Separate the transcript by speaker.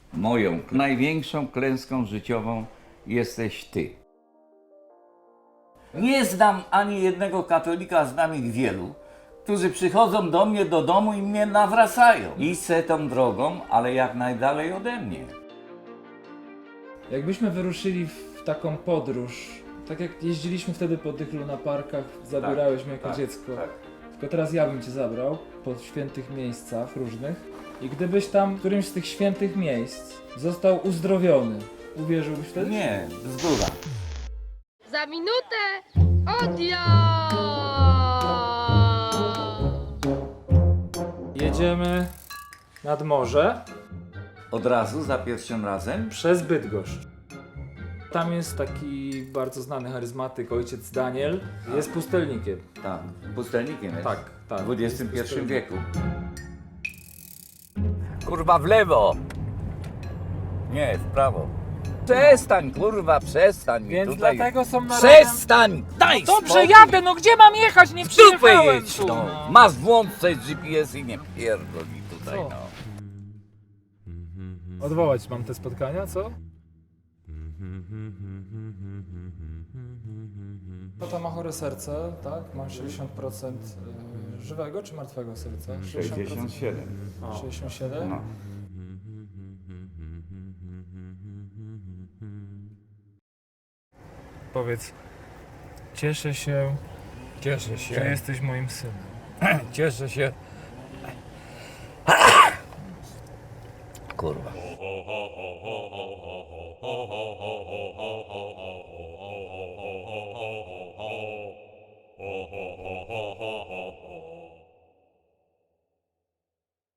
Speaker 1: Moją największą klęską życiową jesteś ty. Nie znam ani jednego katolika, znam ich wielu, którzy przychodzą do mnie do domu i mnie nawracają. Idź tą drogą, ale jak najdalej ode mnie.
Speaker 2: Jakbyśmy wyruszyli w taką podróż, tak jak jeździliśmy wtedy po tych lunaparkach, zabierałeś mnie jako dziecko. Tylko teraz ja bym cię zabrał po świętych miejscach różnych i gdybyś tam w którymś z tych świętych miejsc został uzdrowiony, uwierzyłbyś wtedy?
Speaker 1: Nie, bzdura.
Speaker 3: Za minutę odjazd!
Speaker 2: Jedziemy nad morze
Speaker 1: Od razu, za pierwszym razem?
Speaker 2: przez Bydgoszcz. Tam jest taki bardzo znany charyzmatyk, ojciec Daniel, jest pustelnikiem.
Speaker 1: Tak, pustelnikiem jest.
Speaker 2: Tak.
Speaker 1: W XXI
Speaker 2: Jest
Speaker 1: wieku. Kurwa, w lewo! Nie, w prawo. Przestań, kurwa, przestań.
Speaker 2: Więc
Speaker 1: tutaj.
Speaker 2: dlatego są na
Speaker 1: Przestań! Daj
Speaker 2: Dobrze,
Speaker 1: spokój.
Speaker 2: jadę, no gdzie mam jechać? Nie
Speaker 1: Dupę
Speaker 2: przyjechałem
Speaker 1: jedź,
Speaker 2: tu.
Speaker 1: no.
Speaker 2: No.
Speaker 1: Masz włączyć GPS i nie pierdoli tutaj,
Speaker 2: Co?
Speaker 1: no.
Speaker 2: Odwołać mam te spotkania, co? Tata ma chore serce, tak? Ma 60% żywego czy martwego serca?
Speaker 1: 67.
Speaker 2: 67?
Speaker 1: No.
Speaker 2: Powiedz, cieszę się,
Speaker 1: Cieszę
Speaker 2: że jesteś moim synem.
Speaker 1: Cieszę się. Kurwa.